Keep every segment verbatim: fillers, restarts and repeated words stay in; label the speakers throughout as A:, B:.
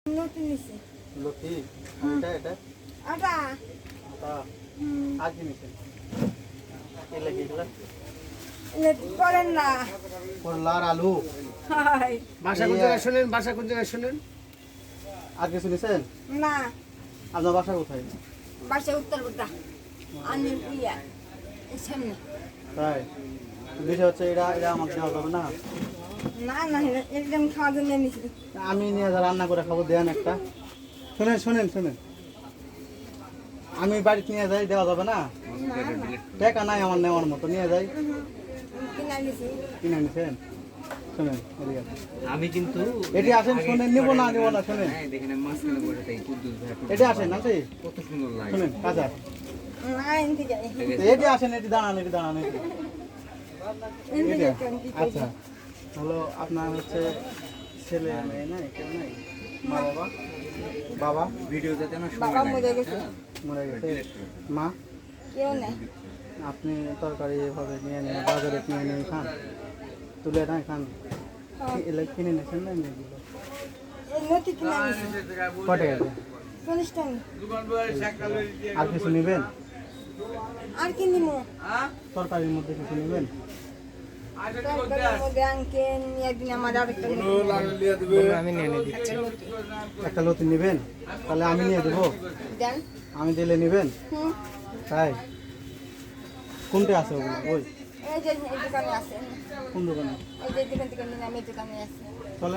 A: লতি নিছে
B: লতি এটা এটা
A: আটা
B: আটা আজ নিছে এই লাগি গেল
A: লতি পড়েন না
B: করলা আর আলু
A: হাই
C: ভাষা কোন জায়গায় শুনেন ভাষা কোন জায়গায় শুনেন
B: আর কিছু নিছেন
A: না
B: আপনার বাসা কোথায়
A: বাসা উত্তর বুদ্ধা আনিল পিয়া সামনে
B: তাই বিষয় হচ্ছে এটা এটা আমাকে দেওয়া যাবে না
A: না না একদম খাওয়া জন্য নিছি
B: আমি নিয়ে যা রান্না করে খাবো দেন একটা শুনেন শুনেন শুনেন আমি বাড়িতে নিয়ে যাই দেওয়া যাবে না টাকা নাই আমার নেওয়ার মতো নিয়ে যাই
A: কিনা নিছি
B: কিনে নিছেন শুনেন এদিকে আসেন।
C: আমি কিন্তু
B: এটি আসেন শুনেন নিব না নিব না শুনেন
C: হ্যাঁ দেখেন মাঝখানে বসে তাই কুদ্দুস ভাই
B: এটি আসেন আছে
C: কত সুন্দর লাগে
B: শুনেন কাজা
A: না এনতে যাই
B: এটি আসেন এটি দাঁড়ান এটি দাঁড়ান এটি
A: এনতে
B: এটা?
A: যাই কি
B: আচ্ছা হলো আপনার হচ্ছে ছেলে মেয়ে নাই কেউ নাই মা বাবা বাবা
C: ভিডিও যাতে না
A: বাবা মরে গেছে
B: মরে গেছে মা
A: কেউ নাই
B: আপনি তরকারি এভাবে নিয়ে নিয়ে বাজারে কিনে নিয়ে খান তুলে না খান কি- এলে কিনে নিয়েছেন না এমনি দিল
A: এই লতি কিনা নিছি
B: কটে গেছে
A: চল্লিশ টাকা
B: আর কিছু নেবেন
A: আর কি নিমু
B: তরকারির মধ্যে কিছু নেবেন
A: তরকারির মধ্যে আনকে একদিন আমার আরেকটা
C: আমি নিয়ে নিয়ে দিচ্ছি
B: একটা লতি নেবেন তাহলে আমি নিয়ে দেবো
A: দেন
B: আমি দিলে নেবেন
A: হুম
B: তাই কোনটা আছে ওগুলো ওই
A: এই যে এই দোকানে আছে
B: কোন দোকানে
A: এই যে দোকান থেকে নিলাম এই দোকানে আছে
B: চলে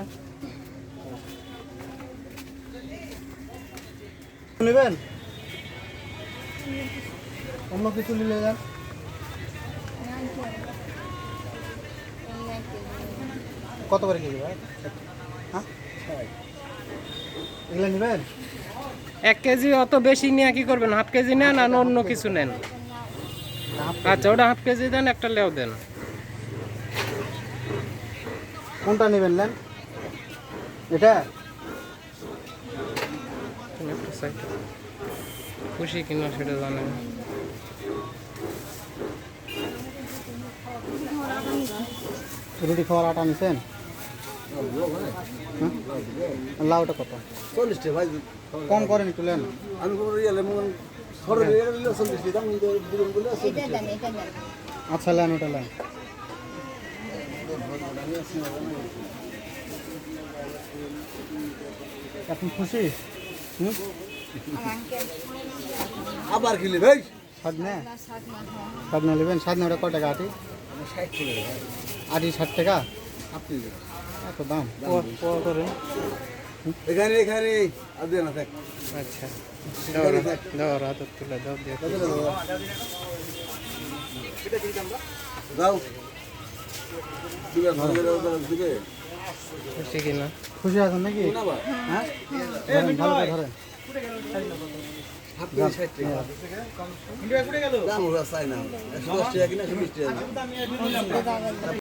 B: নেবেন অন্য কিছু নিলে যান কত করে কেজি ভাই হ্যাঁ এগুলো নেবেন
D: এক কেজি অত বেশি নিয়ে কি করবেন? হাফ কেজি নেন আর অন্য কিছু নেন। আচ্ছা ওটা হাফ কেজি দেন, একটা লেও দেন।
B: কোনটা নেবেন নেন এটা
D: একটা সাইড। খুশি কিনা সেটা জানেন।
B: রুটি খাওয়ার আটা নিছেন লাউটা কত
E: চল্লিশ টাকা ভাই
B: কম করেন একটু নেন
E: আমি কোনো ইয়ে মন সরে গেলে চল্লিশ টাকা আমি দিলাম বলে
A: এটা দেন এটা দেন
B: আচ্ছা নেন ওটা নেন এখন খুশি হুম
A: আর আঙ্কেল
E: আবার কিনলে ভাই
B: ষাট নে
A: না শাক না হয়
B: ষাট না নেবেন ষাট না ওটা কয় টাকা আটি
E: ষাট টাকা ভাই
B: আটি ষাট টাকা
E: আপনি
B: এত দাম ও করেন
E: এখানে এখানে আর দিয়ে না থাক
D: আচ্ছা দাও রা- দাও রাত তুলে দাও দিয়ে
E: কত টাকা দাও দিবে ভালো করে দিবে
D: খুশি কিনা?
B: খুশি আছেন নাকি
E: না ভাই
B: হ্যাঁ ধরেন, ভালো করে ধরেন
E: আপনি ষাট টাকা দাম ওরা চাই না একশো দশ টাকা কিনা একশো বিশ টাকা